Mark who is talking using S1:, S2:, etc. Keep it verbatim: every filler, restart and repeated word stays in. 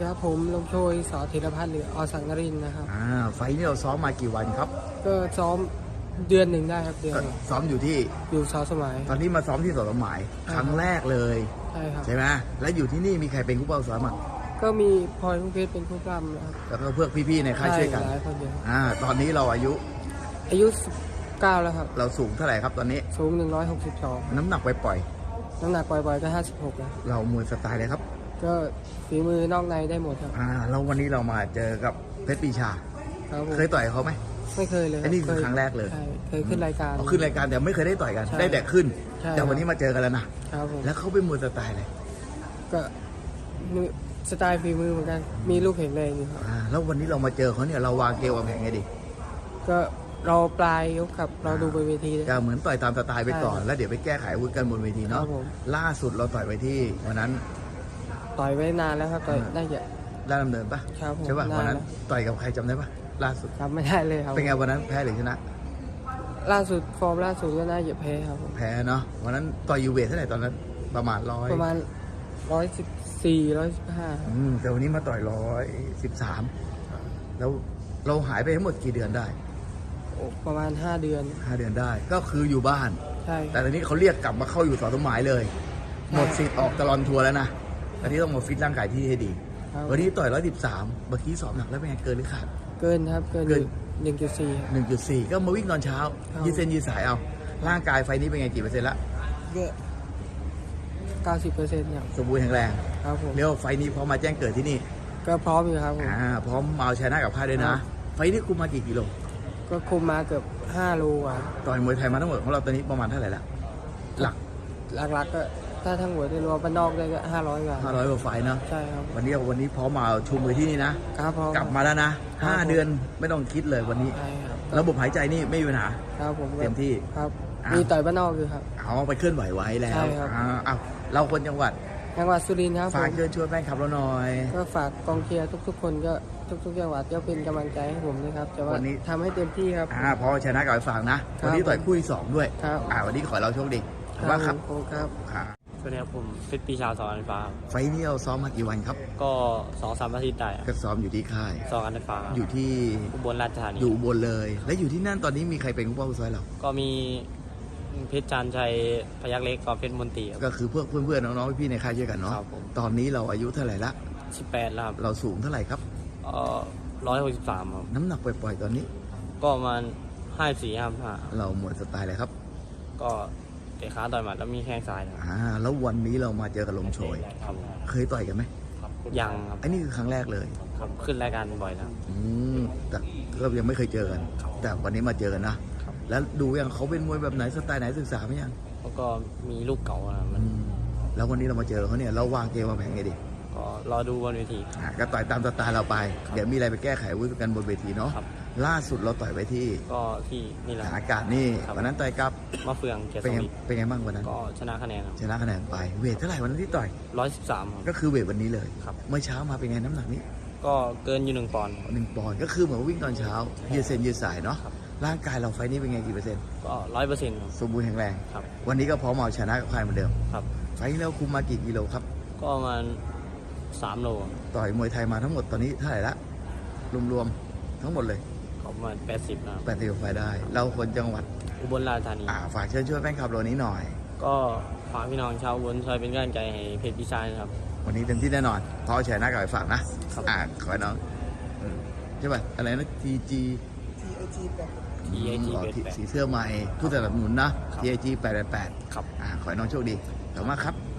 S1: ครับผมลมโชยสอธีรพัฒน์หรืออสังนรินทร์นะครับ
S2: อ่าไฟล์นี้เราซ้อมมากี่วันครับ
S1: ก็ซ้อมเดือนหนึ่งได้ครับเดือน
S2: ก็
S1: หนึ่ง
S2: ซ้อมอยู่ที่
S1: อยู่สาวสมัย
S2: ตอนนี้มาซ้อมที่สวนสมหมายครั้งแรกเลย
S1: ใช่ครับ
S2: ใช่ไหมแล้วอยู่ที่นี่มีใครเป็นคู่เป้าซ้อมอ่ะ
S1: ก็มีพลอยลูกเพชรเป็นผู้ปล้ำนะครับ
S2: แล้วก็เพื่อพี่ๆในค่ายช่วยกัน
S1: หลายคนเดียว
S2: อ่าตอนนี้เราอายุ
S1: อายุสิบเก้าแล้วครับ
S2: เราสูงเท่าไหร่ครับตอนนี้
S1: สูงหนึ่งร้อยหกสิบสอง
S2: น้ำหนักไปปล่อย
S1: น้ำหนักปล่อยๆก็ห้าสิบหกนะ
S2: ๆเรามวยสไตล์เลยครับ
S1: ก็ฝีมือนอกในได้หมดครับ
S2: อ่าแล้ววันนี้เรามาเจอกับเพชรปรีชา
S1: ครับผม
S2: เคยต่อยเขาไหม
S1: ไม่เคยเลย
S2: อันนี้คือครั้งแรกเลย
S1: ใช่เคยขึ้นรายการ
S2: เอาขึ้นรายการแต่ไม่เคยได้ต่อยกัน
S1: ใช่
S2: ได้แต่ขึ้น
S1: ใช่
S2: แต่วันนี้มาเจอกันแล้วนะครับ
S1: ผม
S2: แล้วเขาเป็นมวยสไตล์อะไร
S1: ก็มีสไตล์ฝีมือเหมือนกันมีลูกแข็งแรงอยู่ครับ
S2: อ่าแล้ววันนี้เรามาเจอเขาเนี่ยเราวางเกมวางแผนไงดี
S1: ก็เราปลายยกกับเราดูบนเวทีเลย
S2: ก็เหมือนต่อยตามสไตล์ไปก่อน
S1: ใช่
S2: แล้วเดี๋ยวไปแก้ไขอาวุธกันบนเวที
S1: ครั
S2: เนาะ
S1: บผม
S2: ล่าสุดเราต่อยไปที่วันนั้น
S1: ต่อยไว้นานแล้วครับต่อย
S2: อ่า
S1: ได้เยอะ
S2: ได้ดำเนินปะ
S1: ครับผม
S2: ใช่ปะ
S1: นาน
S2: วันนั้น
S1: แล้ว
S2: ต่อยกับใครจำได้ปะล่าสุด
S1: จำไม่ได้เลยครับ
S2: เป็นไงวันนั้นแพ้หรือชนะ
S1: ล่าสุดฟอร์มล่าสุดก็น่าจะแพ้ครับผม
S2: แพ้เนาะวันนั้นต่อยยูเวทเท่าไหร่ตอนนั้นประมาณร้อย
S1: ประมาณร้อยสิบสี่ร้อยสิบห้า
S2: อืมแต่วันนี้มาต่อยร้อยสิบสามแล้วเราหายไปทั้งหมดกี่เดือนได้
S1: ประมาณห้าเดือน
S2: ห้าเดือนได้ ก็คืออยู่บ้าน
S1: ใช่
S2: แต่ตอนนี้เขาเรียกกลับมาเข้าอยู่สอสมหมายเลย หมดสิทธิ์ออกตลอดทัวร์แล้วนะตอนนี้ต้องมาฟิตร่างกายที่ให้ดี
S1: ครับ
S2: วันนี้ต่อยร้อยสิบสามเมื่อกี้สอบหนักแล้วเป็นไงเกินหรือขาด
S1: เกินครับเกิน
S2: เกิน
S1: หนึ่งจุดสี่
S2: หนึ่งจุดสี่ก็มาวิ่งตอนเช้า
S1: ครับ
S2: ยืดเส้นยืดสายเอา ร่างกายไฟนี้เป็นไงกี่เปอร์เซ็นต์ละ
S1: ก็เก้าสิบเปอร์เซ็นต์ครับ
S2: สมบูรณ์แข็งแรง
S1: ครับผม
S2: เรียกว่าไฟนี้พร้อมมาแจ้งเกิดที่นี่
S1: ก็พร้อมอยู่ครับผม
S2: อ่าพร้อมมาเอาชนะกับค่ายด้วยนะ
S1: ครับ
S2: ไฟนี้คุมมากี่กิโล
S1: ก็คุมมาเกือบห้าโลอ่ะ
S2: ต่อยมวยไทยมาทั้งหมดของเราตอนนี้ประมาณเท่าไหร่ละหลัก
S1: หลักๆก็ถ้าทั้งหัวได้รวมบ้านนอกได้ก็ห้าร้อยกว่า
S2: ห้าร้อยกว่าไฟล์เนาะ
S1: ใช่ครับ
S2: วันนี้วันนี้พร้อมมาชูมือที่นี่นะครับ
S1: พร้อม
S2: กลับมาแล้วนะห้า
S1: ครับผม
S2: เดือนไม่ต้องคิดเลยวันนี้
S1: ใช่ครับ
S2: ระบบหายใจนี่ไม่มีปัญหา
S1: ครับผมก็
S2: เต็มที่
S1: ครับ
S2: อ่ะ
S1: มีต่อยบ้านนอกอยู่ครับ
S2: เอาไปเคลื่อนไหวไว้แล้ว
S1: ใช่ครับ
S2: อ่าเอาเราคนจังหวัด
S1: จังหวัดสุรินทร์ครับผ
S2: ฝาก
S1: ม
S2: เชิญชวนแฟนคลับเราหน่อย
S1: ก็ฝากกองเชียร์ทุก ๆ คนก็ทุกๆจังหวัดก็เป็นกำลังใจให้ผมด้วยครับแต่ว่า
S2: วันนี้
S1: ทำให้เต็มที่ครับ
S2: อ่าพอชนะกับไอ้ฝากนะ
S1: ครับ
S2: วันนี้ต่อยคู่ที่สองด้วย
S1: ครับ
S2: อ่าวันนี้ขอให้เราโชคดีขอบคุณมากครับ
S1: ผมครับ
S2: ครับ
S3: สวัสดีครับผมฟิตปีชาสอนอันฟ้าครับ
S2: ไฟล์นี้เราซ้อมมากี่วันครับ
S3: ก็สองสามอาทิตย์ได้
S2: ก็ซ้อมอยู่ที่ค่าย
S3: สองอันฟ้าครับ
S2: อยู่ที่
S3: อุบลราชธานี
S2: อยู่อุบนเลย และอยู่ที่นั่นตอนนี้มีใครเป็นผู้ป้องกันเรา
S3: ก็มีเพชรจันทร์ชัยพยักเล็กกับเพชรมนตรีครับ
S2: ก็คือเพื่อนเพื่อนๆน้องๆพี่ๆในค่ายช่วยกันเนาะ
S3: ครับผม
S2: ตอนนี้เราอายุเท่าไหร่ละ
S3: สิบแปดแล้วครับ
S2: เราสูงเท่าไหร่ครับ
S3: เอ่อร้อยหกสิบสามครับ
S2: น้ำหนักปล่อยๆตอนนี้
S3: ก็ประมาณห้าสี่ห้าห้า
S2: เราหมดสไตล์เลยครับ
S3: ก็เตะขาต่อยหมัดแล้วมีแข้งซ้ายครับ
S2: อ่าแล้ววันนี้เรามาเจอกับลมโชย
S3: ครับผม
S2: เคยต่อยกันไหม
S3: ยังครับ
S2: อันนี้คือครั้งแรกเลย
S3: ครับขึ้นรายการบ่อยแล้ว
S2: อืมแต่ก็ยังไม่เคยเจอกัน แต่วันนี้มาเจอกันนะ
S3: ครับ
S2: แล้วดูยังเขาเป็นมวยแบบไหนสไตล์ไหนศึกษาไหมยัง
S3: แล้วก็มีลูกเก่านะมั
S2: อื
S3: น
S2: มแล้ววันนี้เรามาเจอเขาเนี่ยเราวางเกมวางแผนไงดี
S3: ก็รอดูบนเวที
S2: อ่าก็ต่อยตามสไตล์เราไป เดี๋ยวมีอะไรไปแก้ไขอาวุ้กันบนเวทีเนาะ
S3: ครับ
S2: ล่าสุดเราต่อยไปที่
S3: ก็ที่นี่แหละ
S2: ฐานอากาศนี่
S3: ครับ
S2: วันนั้นต่อยกับ
S3: มะเฟืองเกียรติ
S2: เป็น
S3: ส
S2: ไง
S3: มิท
S2: เป็นไงบ้างวันนั้น
S3: ก็ชนะคะแนนครับ
S2: ชนะคะแนนไป เวทเท่าไหร่วันนั้นที่ต่อย
S3: ร้อยสิบสามครับ
S2: ก็คือเวทวันนี้เลย
S3: ครับ
S2: เมื่อเช้ามาเป็นไงน้ำหนักนี้
S3: ก็เกินอยู่หนึ่งปอนด์
S2: หนึ่งปอนด์ก็คือเหมือนว่าวิ่งตอนเช้ายืดเส้นยืดสายเนาะ
S3: ครับ
S2: ร่างกายเราไฟนี้เป็นไงกี่เปอร์เซ็นต์
S3: ก็ร้อยเปอร์เซ็นต์ครับ
S2: สมบูรณ์แข็งแรง
S3: ครับ
S2: วันนี้ก็พร้อมเอาชนะกับใครเหมือนเดิม
S3: ครับ
S2: ไฟนี้เราคุมมากี่กิโลครับ
S3: ก็ประมาณสามโล
S2: ต่อยมวยไทยมาทั้งหมดตอนนี้เท่าไหร่ละรวมๆทั้งหมดเลย
S3: ก็ประมาณแปดสิบนะครับ
S2: แปดสิบไฟได้ เราคนจังหวัด
S3: อุบลราชธานี
S2: อ่าฝากเชิญช่วยแฟนคลับเรานี้หน่อย
S3: ก็ฝากพี่น้องชาวอุบลช่วยเป็นกำลังใจให้เพจพิชายนะครับ
S2: วันนี้เต็มที่แน่นอนเพราะเอาชนะกับไอ้ฝากนะครับ อ่าขอให้น้องอืมใช่ป่ะอะไรนะ ที จี
S3: ทีไอจี
S2: อ๋
S3: เป็
S2: อน
S3: แปด
S2: สีเสื้อใหม่ผู้สนับสนุนนะ
S3: ครับ
S2: ที ไอ จี แปดแปดแปด
S3: ครับ
S2: อ่าขอให้น้องโชคดีขอบคุณมากครับ